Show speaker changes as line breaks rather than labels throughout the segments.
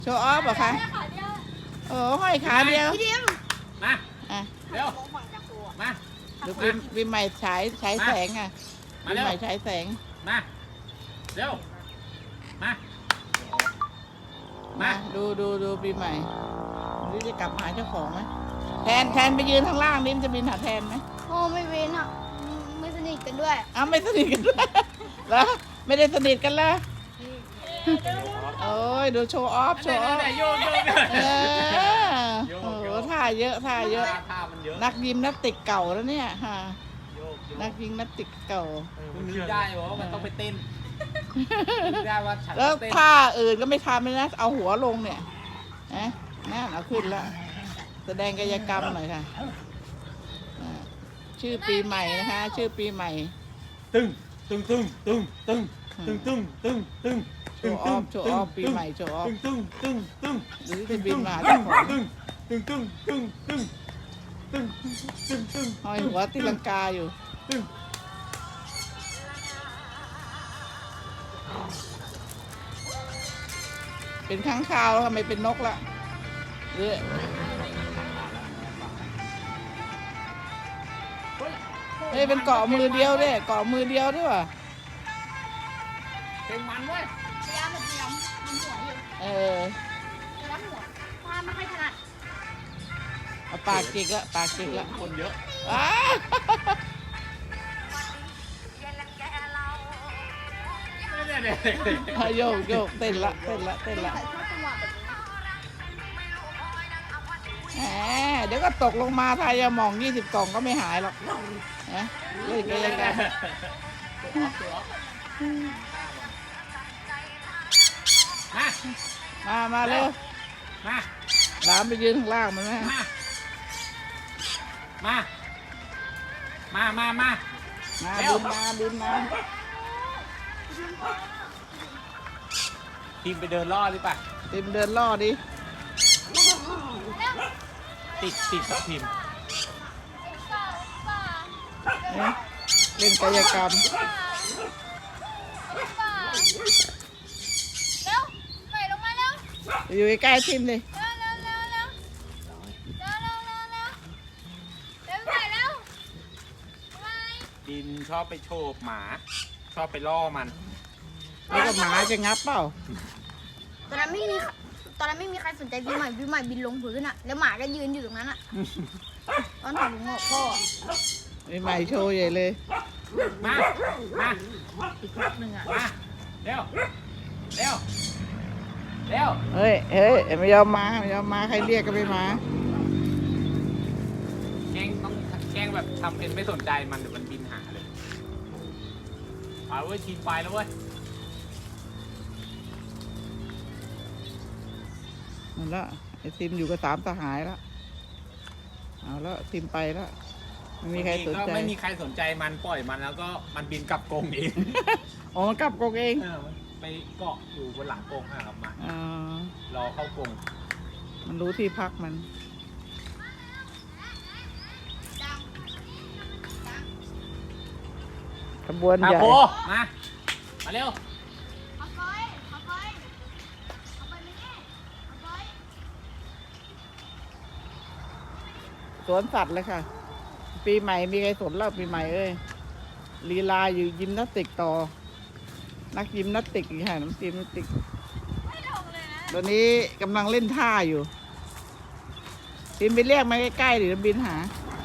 โชว์ออฟเหรอคะโอ้ห้อยขาเดียว
มา
อ่ะ
เร็วมา
ดูปีใหม่ฉายแสงอ่ะปีใหม่ฉายแสง
มาเร็วมา
ดูปีใหม่นี่จะกลับหาเจ้าของไหมแทนไปยืนข้างล่างนี่มันจะบินหาแทนไหม
โอ้ไม่เว้นอ่ะไม่สนิทกันด้วย
อ้าวไม่สนิทกันด้วยแล้วไม่ได้สนิทกันแล้วโอ้ยดูโชว์ออฟ
โยก
โอ้โหท่าเยอะ
ท่ามันเยอะ
นักยิมนาสติกเก่าแล้วเนี่ยฮะนักยิมนาสติกเก่า
มันนึกได้ว่ามันต้องไปเต้นได้ว่าฉัน
แล้วท่าอื่นก็ไม่ทำเลยนะเอาหัวลงเนี่ยนะนั่นเอาขึ้นแล้วแสดงกายกรรมหน่อยค่ะชื่อปีใหม่นะคะชื่อปีใหม่
ตึ้ง
โชว์ออฟปีใหม่โชว์ออฟ
ตึ้ง
หรือจะบินมาที่ของห้อยหัวตีลังกาอยู่เป็นข้างคาวแล้วทำไมเป็นนกละเฮ้ยเป็นเกาะมือเดียวด้วยเกาะมือเดียวด้วยว่ะ
เป็นมันเว้ย
พยายามมันหัวอยู่พยายามหัวพาไม่ค่อยถนัด
เอาปากจิกละ
คนเยอะ
โยกเต้นละเดี๋ยวก็ตกลงมาทายาหมอง20 กล่องก็ไม่หายหรอกนะเล่นกันยังไงมาเร็วหลามไปยืนข้างล่างมันไหม
มา
บินมา
ทีมไปเดินล่อดิป่ะ
ทีมเดินล่อดิ
ติดกับทีม
เล่นกายกรรม
เร็วไปลงมาเร็ว
อยู่ใกล้ทีมเลย
ดินชอบไปโฉบหมาชอบไปล่อมัน
แล้วก็หมาจะงับเปล่า
ตอนนั้นไม่มีใครสนใจพี่ใหม่บินลงพื้นอ่ะแล้วหมาก็ยืนอยู่ตรงนั้นอ่ะตอนถอดหัวพ่อ
ปีใหม่โชว์ใหญ่เลย
มา
อีกครั้งหนึ่งอ่ะ
มาเร็ว
เฮ้ยไม่ยอมมาใครเรียกก็ไม่มา
แกล้งแบบทำเป็นไม่สนใจมันเดี๋ยวมันบินหาเลยเอาเว้ยทีมไปแล้วเว้ย
นั่นละไอทีมอยู่กับ3 สหายแล้วเอาแล้วทีมไปแล้วไม่มีใครสนใจ
ไม่มีใครสนใจมันปล่อยมันแล้วก็มันบินกลับกรงเอง
อ๋อมันกลับกรงเอง
มันไปเกาะอยู่บนหลังกรงครับมารอเข้ากรง
มันรู้ที่พักมันขบวนใหญ่
มาเร็ว
สวนสัตว์เลยค่ะปีใหม่มีใครสนแล้วปีใหม่ลีลาอยู่ยิมนาสติกต่อนักยิมนาสติกอีกค่ะน้ำยิมนาสติกตอนนี้กำลังเล่นท่าอยู่ทีมไปเรียกมาใกล้ๆหรือบินหา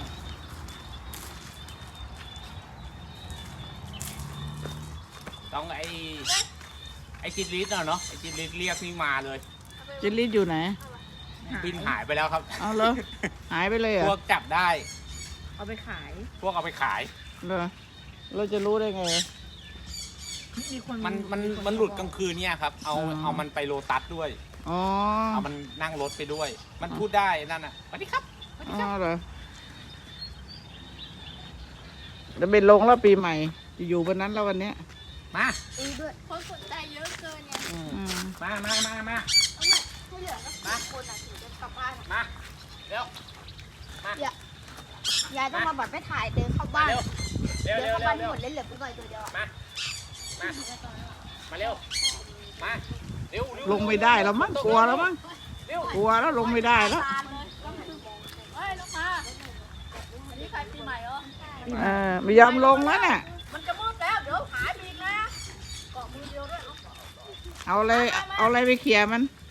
ต้องไอ้จิตลิสเนาะไอ้จิตลิสเรียกนี่มาเลย
จิตลิสอยู่ไหน
บินหายไปแล้วครับ
เอาเหรอหายไปเลยเหรอ
พวกจับได้
เอาไปขาย
เอาไปขาย
เหรอเราจะรู้ได้ไง
มันหลุดกลางคืนเนี่ยครับเอามันไปโลตัสด้วยเอามันนั่งรถไปด้วยมันพูดได้นั่นน่ะสวัสดีครับ
เหรอจะเป็นลงแล้วปีใหม่จะอยู่บนนั้นแล้ววันนี้
มา
ด้วยคนสนใจเยอะเกินเนี่ย
มา
ผู้เหลือก็คนอ่ะถึงจะกลับบ้าน
มาเร็วม
ายายต้องมาแบบไปถ่ายเดินเข้าบ้านเดินเข้าบ้านหมดเลยเหลือกูหน่อยตัวเดียว
มาเร็วมาเร็ว
ลงไม่ได้แล้วมั้งกลัวแล้วมั้งกลัวแล้วลงไม่ได้แล้ว
เฮ้ยลงมาอันนี้ใครปีใหม่เหรอ
ไม่ยอมลงแล้วน่ะ
มันจะมืดแล้วเดี๋ยวหายไปอีกนะเกาะมือเดียวด้วย
เอาอะไรไปเขี่ยมัน
เ